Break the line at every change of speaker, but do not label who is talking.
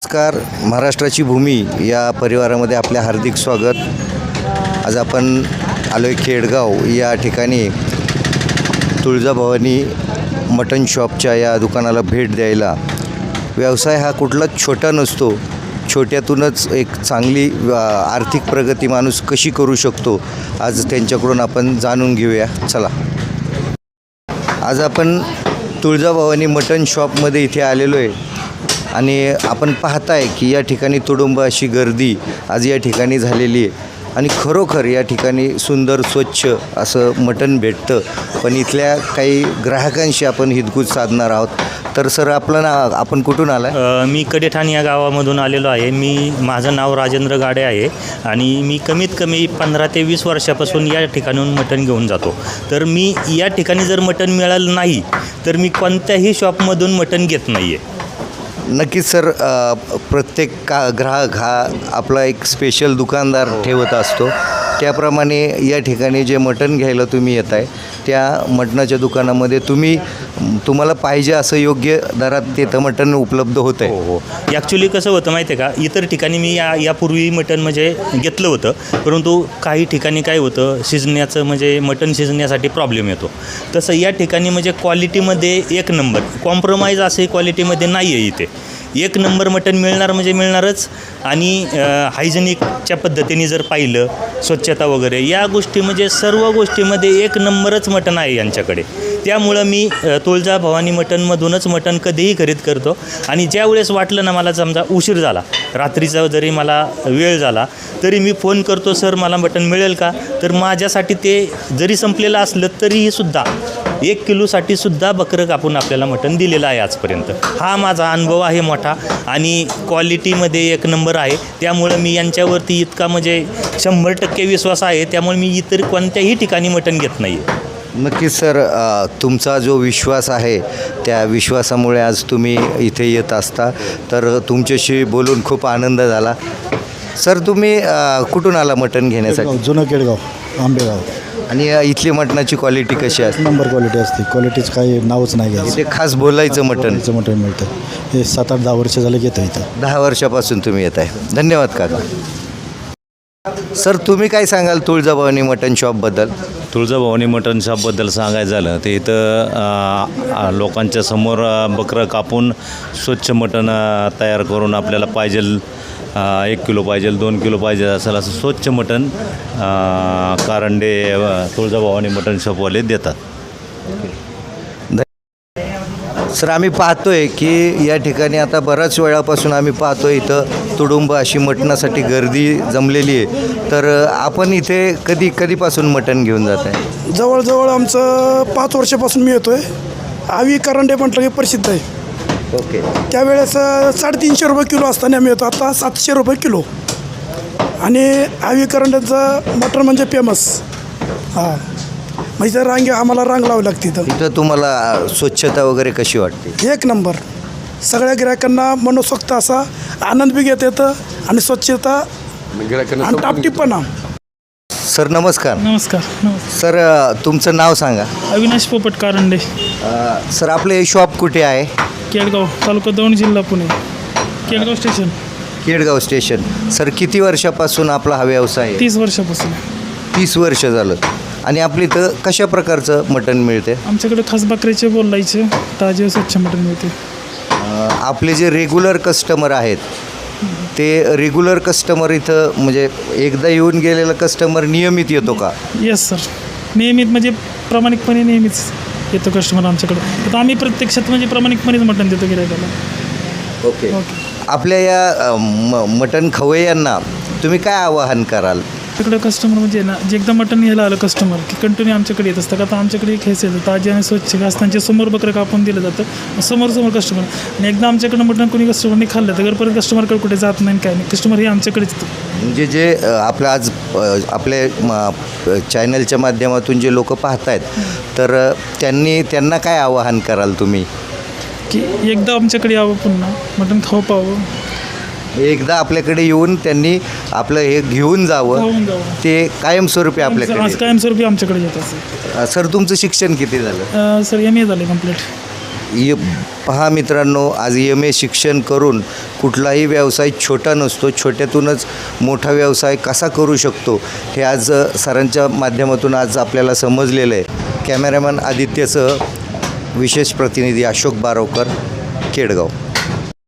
नमस्कार. महाराष्ट्राची भूमी या परिवारामध्ये आपले हार्दिक स्वागत. आज आपण आलो आहे खेडगाव या ठिकाणी तुळजाभवानी मटन शॉपच्या या दुकानाला भेट द्यायला. व्यवसाय हा कुठलाच छोटा नसतो. छोट्यातूनच एक चांगली आर्थिक प्रगती माणूस कशी करू शकतो आज त्यांच्याकडून आपण जाणून घेऊया. चला, आज आपण तुळजाभवानी मटन शॉपमध्ये इथे आलेलो आहे आणि आपण पाहताय की या ठिकाणी तुडुंब अशी गर्दी आज या ठिकाणी झालेली आहे आणि खरोखर या ठिकाणी सुंदर स्वच्छ असं मटण भेटतं. पण इथल्या काही ग्राहकांशी आपण हितगुज साधणार आहोत. तर सर, आपलं नाव, आपण कुठून आला?
मी कडेठाण या गावामधून आलेलो आहे. माझं नाव राजेंद्र गाडे आहे आणि मी कमीत कमी 15 ते 20 वर्षापासून या ठिकाणून मटण घेऊन जातो. तर मी या ठिकाणी जर मटण मिळालं नाही तर मी कोणत्याही शॉपमधून मटण घेत नाही आहे.
नक्कीच सर, प्रत्येक ग्राहक हा आपला एक स्पेशल दुकानदार ठेवत असतो. त्याप्रमाणे या ठिकाणी जे मटण घ्यायला तुम्ही येत आहे त्या मटणाच्या दुकानामध्ये तुम्हाला पाहिजे असं योग्य दरात तिथं मटण उपलब्ध होतं आहे.
हो. ॲक्च्युली कसं होतं माहिती आहे का, इतर ठिकाणी मी यापूर्वी मटण म्हणजे घेतलं होतं, परंतु काही ठिकाणी काय होतं, शिजण्याचं म्हणजे मटण शिजण्यासाठी प्रॉब्लेम येतो. तसं या ठिकाणी म्हणजे क्वालिटीमध्ये एक नंबर, कॉम्प्रोमाइज असे क्वालिटीमध्ये नाही आहे. इथे एक नंबर मटण मिळणार म्हणजे मिळणारच. आणि हायजेनिकच्या पद्धतीने जर पाहिलं, स्वच्छता वगैरे या गोष्टी म्हणजे सर्व गोष्टीमध्ये एक नंबरच मटण आहे यांच्याकडे. त्यामुळं मी तुळजाभवानी मटणमधूनच मटण कधीही खरेदी करतो. आणि ज्या वेळेस वाटलं ना, मला समजा उशीर झाला, रात्रीचा जरी मला वेळ झाला तरी मी फोन करतो, सर मला मटण मिळेल का? तर माझ्यासाठी ते जरी संपलेलं असलं तरीही सुद्धा 1 किलोसाठी सुद्धा बकरं कापून आपल्याला मटण दिलेलं आहे आजपर्यंत. हा माझा अनुभव आहे मोठा आणि क्वालिटीमध्ये एक नंबर आहे. त्यामुळं मी यांच्यावरती इतका म्हणजे 100% विश्वास आहे. त्यामुळे मी इतर कोणत्याही ठिकाणी मटण घेत नाही आहे.
नक्कीच सर, तुमचा जो विश्वास आहे त्या विश्वासामुळे आज तुम्ही इथे येत असता. तर तुमच्याशी बोलून खूप आनंद झाला. सर, तुम्ही कुठून आला मटण घेण्यासाठी?
जुनं केडगाव, आंबेगाव.
आणि इथली मटणाची क्वालिटी कशी असते?
नंबर क्वालिटी असते. क्वालिटीचं काही नावच नाही घ्यायचं.
इथे खास बोलायचं मटण
मिळतं. हे 7-8-10 वर्ष झालं घेतं इथं.
10 वर्षापासून तुम्ही येत आहे. धन्यवाद काका. सर, तुम्ही काय सांगाल तुळजाभवानी मटण शॉपबद्दल?
तुळजाभवानी मटण शॉपबद्दल सांगायचं झालं तर इथं लोकांच्या समोर बकरं कापून स्वच्छ मटण तयार करून आपल्याला पाहिजेल 1 किलो पाहिजेल, 2 किलो पाहिजे असेल असं स्वच्छ मटण कारंडे तुळजाभवानी मटण शॉपवाले देतात.
सर, आम्ही पाहतोय की या ठिकाणी आता बऱ्याच वेळापासून आम्ही पाहतोय इथं तुडुंब अशी मटणासाठी गर्दी जमलेली आहे. तर आपण इथे कधीपासून मटण घेऊन जात आहे?
जवळजवळ आमचं 5 वर्षापासून मी येतो आहे. आवी करंडे म्हटलं की प्रसिद्ध आहे.
ओके.
त्यावेळेस 350 रुपये किलो असताना आम्ही येतो. आता 700 रुपये किलो. आणि आवी करंड्याचं मटण म्हणजे फेमस. हां, म्हणजे आम्हाला रांग लावावी लागते
इथं तुम्हाला स्वच्छता वगैरे कशी वाटते?
एक नंबर. सगळ्या गिरायकांना मनसोक्त असा आनंद बी घेता येतं आणि स्वच्छता आणि टापटीपणा.
सर, नमस्कार.
नमस्कार.
सर, तुमचं नाव सांगा.
अविनाश पोपट कारंडे,
सर, आपलं हे शॉप कुठे आहे?
केडगाव, तालुका दौंड, जिल्हा Pune. Kedgaon station.
Kedgaon station. Sir, किती वर्षापासून आपला हा व्यवसाय आहे?
30 वर्षापासून.
30 वर्ष झालं. आणि आपल्या इथं कशा प्रकारचं मटण मिळते?
आमच्याकडे खास बकऱ्याचे बोलायचे ताजे स्वच्छ मटण मिळते.
आपले जे रेग्युलर कस्टमर आहेत ते रेग्युलर कस्टमर इथं म्हणजे एकदा येऊन गेलेला कस्टमर नियमित येतो का?
येस सर, नियमित म्हणजे प्रामाणिकपणे नेहमीच येतो कस्टमर आमच्याकडे. तर आम्ही प्रत्यक्षात म्हणजे प्रामाणिकपणेच मटण देतो गिरायकाला.
ओके. आपल्या या मटण खवय्यांना तुम्ही काय आवाहन कराल?
तिकडं कस्टमर म्हणजे ना, जे एकदा मटण घ्यायला आलं कस्टमर की कंटिन्यू आमच्याकडे येत असतं. का तर आमच्याकडे घ्यायचं येतं ताजे आणि स्वच्छ असताना समोर बकरं कापून दिलं जातं समोर कस्टमर. आणि एकदा आमच्याकडं मटण कोणी कस्टमरने खाल्लं तर परत कस्टमरकडे कुठे जात नाही काय नाही. कस्टमर हे आमच्याकडेच येतं.
म्हणजे जे आपलं आज आपल्या चॅनलच्या माध्यमातून जे लोक पाहत आहेत तर त्यांना काय आवाहन कराल तुम्ही?
की एकदा आमच्याकडे यावं, पुन्हा मटण खाऊ पाहावं.
एकदा आपल्याकडे येऊन त्यांनी आपलं हे घेऊन जावं, ते कायमस्वरूपी आपल्याकडे
आज कायमस्वरूपी आमच्याकडे येत असेल.
सर, तुमचं शिक्षण किती झालं?
सर, MA झाले कंप्लीट.
पहा मित्रांनो, आज MA शिक्षण करून कुठलाही व्यवसाय छोटा नसतो, छोट्यातूनच मोठा व्यवसाय कसा करू शकतो हे आज सरांच्या माध्यमातून आज आपल्याला समजलेलं आहे. कॅमेरामॅन आदित्यसह विशेष प्रतिनिधी अशोक बारोकर, केडगाव.